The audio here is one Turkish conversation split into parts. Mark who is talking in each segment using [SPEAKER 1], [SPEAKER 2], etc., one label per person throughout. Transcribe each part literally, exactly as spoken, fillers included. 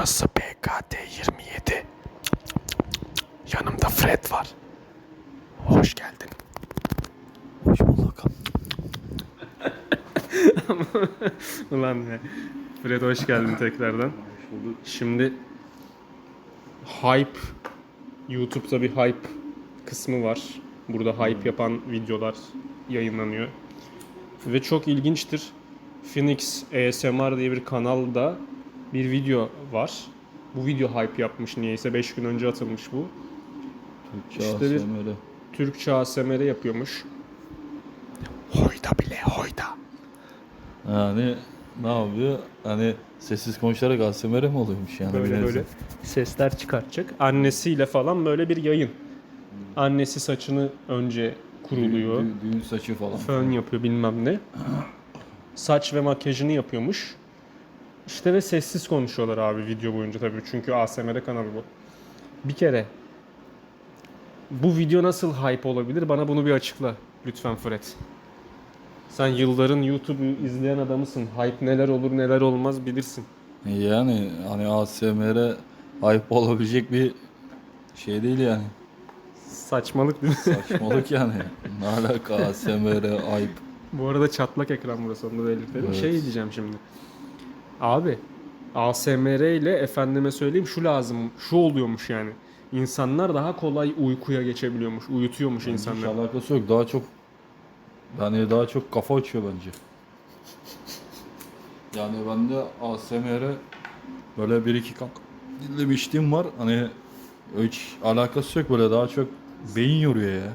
[SPEAKER 1] Burası B K T yirmi yedi. Yanımda Fred var. Hoş geldin.
[SPEAKER 2] Hoş bulduk.
[SPEAKER 1] Ulan ne? Fred hoş geldin tekrardan.
[SPEAKER 2] Hoş bulduk.
[SPEAKER 1] Şimdi hype, YouTube'da bir hype kısmı var. Burada hype yapan videolar yayınlanıyor. Ve çok ilginçtir. Phoenix A S M R diye bir kanalda bir video var. Bu video hype yapmış niyeyse. beş gün önce atılmış bu.
[SPEAKER 2] Türkçe
[SPEAKER 1] İşte bir-
[SPEAKER 2] A S M R.
[SPEAKER 1] Türkçe A S M R yapıyormuş. Hoyda bile hoyda.
[SPEAKER 2] Yani ne yapıyor? Hani sessiz konuşarak A S M R mi oluyormuş yani?
[SPEAKER 1] Böyle
[SPEAKER 2] bir
[SPEAKER 1] böyle
[SPEAKER 2] nebze?
[SPEAKER 1] sesler çıkartacak. Annesiyle falan böyle bir yayın. Annesi saçını önce kuruluyor.
[SPEAKER 2] Düğün, düğün saçı falan.
[SPEAKER 1] Fön yapıyor bilmem ne. Saç ve makyajını yapıyormuş. İşte ve sessiz konuşuyorlar abi video boyunca tabii. Çünkü A S M R kanalı bu. Bir kere bu video nasıl hype olabilir? Bana bunu bir açıkla lütfen Fred. Sen yılların YouTube'u izleyen adamısın. Hype neler olur neler olmaz bilirsin.
[SPEAKER 2] Yani hani A S M R hype olabilecek bir şey değil yani.
[SPEAKER 1] Saçmalık değil mi?
[SPEAKER 2] Saçmalık yani. Ne alaka A S M R hype?
[SPEAKER 1] Bu arada çatlak ekran burası, onu da belirtelim.
[SPEAKER 2] Evet.
[SPEAKER 1] Şey diyeceğim şimdi. Abi A S M R ile efendime söyleyeyim şu lazım, şu oluyormuş yani. İnsanlar daha kolay uykuya geçebiliyormuş, uyutuyormuş
[SPEAKER 2] Hiç
[SPEAKER 1] insanlar.
[SPEAKER 2] alakası yok. Daha çok yani daha çok kafa açıyor bence. Yani bende A S M R böyle bir iki kalk dinlemişliğim var. Hani hiç alakası yok, böyle daha çok beyin yoruyor ya.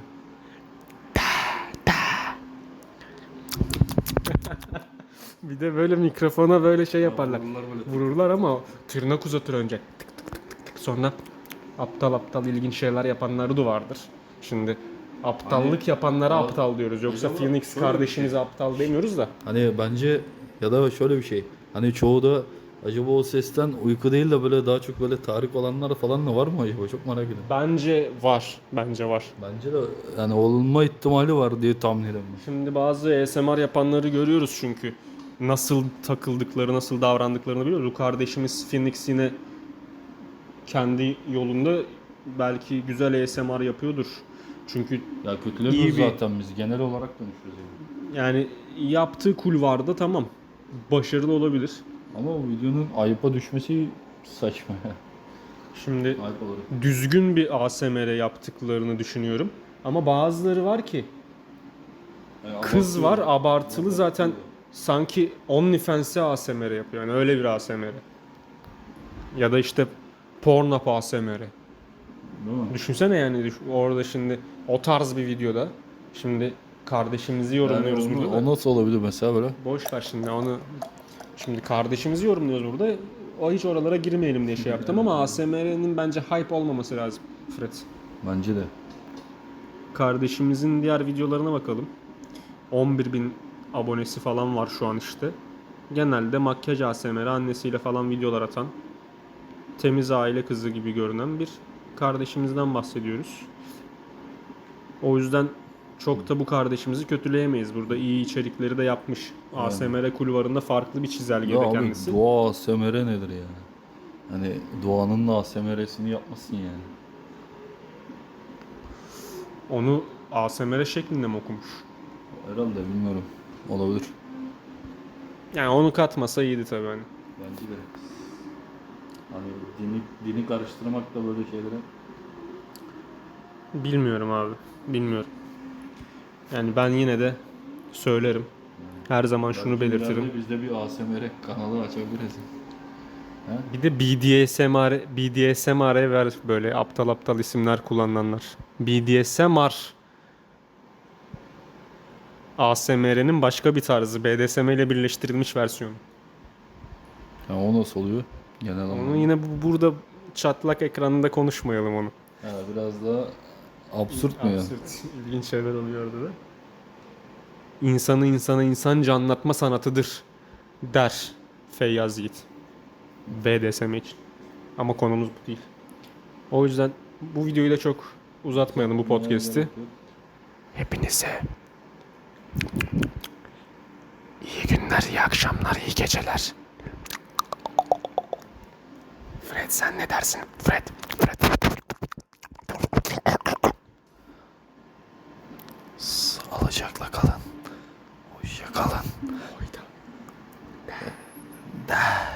[SPEAKER 1] Bir de böyle mikrofona böyle şey yaparlar.
[SPEAKER 2] Vururlar böyle.
[SPEAKER 1] Vururlar ama tırnak uzatır önce. Tık tık tık tık tık. Sonra aptal aptal ilginç şeyler yapanları da vardır. Şimdi aptallık
[SPEAKER 2] Hani-
[SPEAKER 1] yapanlara
[SPEAKER 2] Abi,
[SPEAKER 1] aptal diyoruz. Yoksa
[SPEAKER 2] acaba
[SPEAKER 1] Phoenix
[SPEAKER 2] şöyle bir
[SPEAKER 1] kardeşimize
[SPEAKER 2] şey.
[SPEAKER 1] aptal demiyoruz da.
[SPEAKER 2] Hani bence ya da şöyle bir şey. Hani çoğu da acaba o sesten uyku değil de böyle daha çok böyle tahrik olanlar falan da var mı acaba? Çok merak ediyorum.
[SPEAKER 1] Bence var. Bence var.
[SPEAKER 2] Bence de yani olma ihtimali var diye tahmin ediyorum.
[SPEAKER 1] Şimdi bazı A S M R yapanları görüyoruz çünkü. Nasıl takıldıkları, nasıl davrandıklarını biliyoruz. Bu kardeşimiz Phoenix yine kendi yolunda belki güzel A S M R yapıyordur. Çünkü
[SPEAKER 2] Ya
[SPEAKER 1] İyi
[SPEAKER 2] kötülemiyoruz
[SPEAKER 1] bir-
[SPEAKER 2] zaten biz. Genel olarak konuşuyoruz yani.
[SPEAKER 1] yani yaptığı kulvarda tamam. Başarılı olabilir.
[SPEAKER 2] Ama o videonun ayıpa düşmesi saçma ya.
[SPEAKER 1] Şimdi
[SPEAKER 2] Ayıp olarak.
[SPEAKER 1] düzgün bir A S M R yaptıklarını düşünüyorum. Ama bazıları var ki
[SPEAKER 2] Yani
[SPEAKER 1] kız var
[SPEAKER 2] abartıyor.
[SPEAKER 1] abartılı zaten
[SPEAKER 2] Abartıyor.
[SPEAKER 1] sanki OnlyFans'e A S M R yapıyor. Yani öyle bir A S M R. Ya da işte Pornhub A S M R.
[SPEAKER 2] Değil mi?
[SPEAKER 1] Düşünsene yani düş- orada şimdi o tarz bir videoda şimdi kardeşimizi
[SPEAKER 2] Yani
[SPEAKER 1] yorumluyoruz
[SPEAKER 2] onu-
[SPEAKER 1] burada.
[SPEAKER 2] o nasıl olabilir mesela böyle?
[SPEAKER 1] Boş ver şimdi onu. Şimdi kardeşimizi yorumluyoruz burada. O hiç oralara girmeyelim diye şey yaptım ama A S M R'nin bence hype olmaması lazım Fred.
[SPEAKER 2] Bence de.
[SPEAKER 1] Kardeşimizin diğer videolarına bakalım. on bir bin abonesi falan var şu an işte. Genelde makyaj A S M R, annesiyle falan videolar atan, temiz aile kızı gibi görünen bir kardeşimizden bahsediyoruz. O yüzden çok da bu kardeşimizi kötüleyemeyiz. Burada iyi içerikleri de yapmış. A S M R kulvarında farklı bir çizelgede
[SPEAKER 2] Ya abi
[SPEAKER 1] kendisi.
[SPEAKER 2] doğa A S M R nedir ya? Hani doğanın da A S M R'sini yapmasın yani.
[SPEAKER 1] Onu A S M R şeklinde mi okumuş?
[SPEAKER 2] Herhalde bilmiyorum. Olabilir.
[SPEAKER 1] Yani onu katmasa iyiydi tabii hani.
[SPEAKER 2] Bence de. Hani dini, dini karıştırmak da böyle şeylere.
[SPEAKER 1] Bilmiyorum abi. Bilmiyorum. Yani ben yine de söylerim. Her zaman şunu
[SPEAKER 2] Belki
[SPEAKER 1] belirtirim.
[SPEAKER 2] ileride Biz de bir A S M R kanalı açabiliriz. He?
[SPEAKER 1] Bir de B D S M R, B D S M R ver böyle aptal aptal isimler kullananlar. B D S M R A S M R'nin başka bir tarzı. B D S M ile birleştirilmiş versiyonu.
[SPEAKER 2] Ya o nasıl oluyor? Genel
[SPEAKER 1] Onu
[SPEAKER 2] anlamda.
[SPEAKER 1] yine bu, burada çatlak ekranında konuşmayalım onu.
[SPEAKER 2] Ha, biraz daha absürt mü ya?
[SPEAKER 1] Absürt, ilginç şeyler oluyor orada da. İnsanı insana insanca anlatma sanatıdır der Feyyaz Yiğit. B D S M için. Ama konumuz bu değil. O yüzden bu videoyu da çok uzatmayalım bu podcast'i. Hepinize iyi günler, iyi akşamlar, iyi geceler. Fred sen ne dersin? Fred. Fred.
[SPEAKER 2] Sağlıcakla kalın. Hoşça kalın. Da.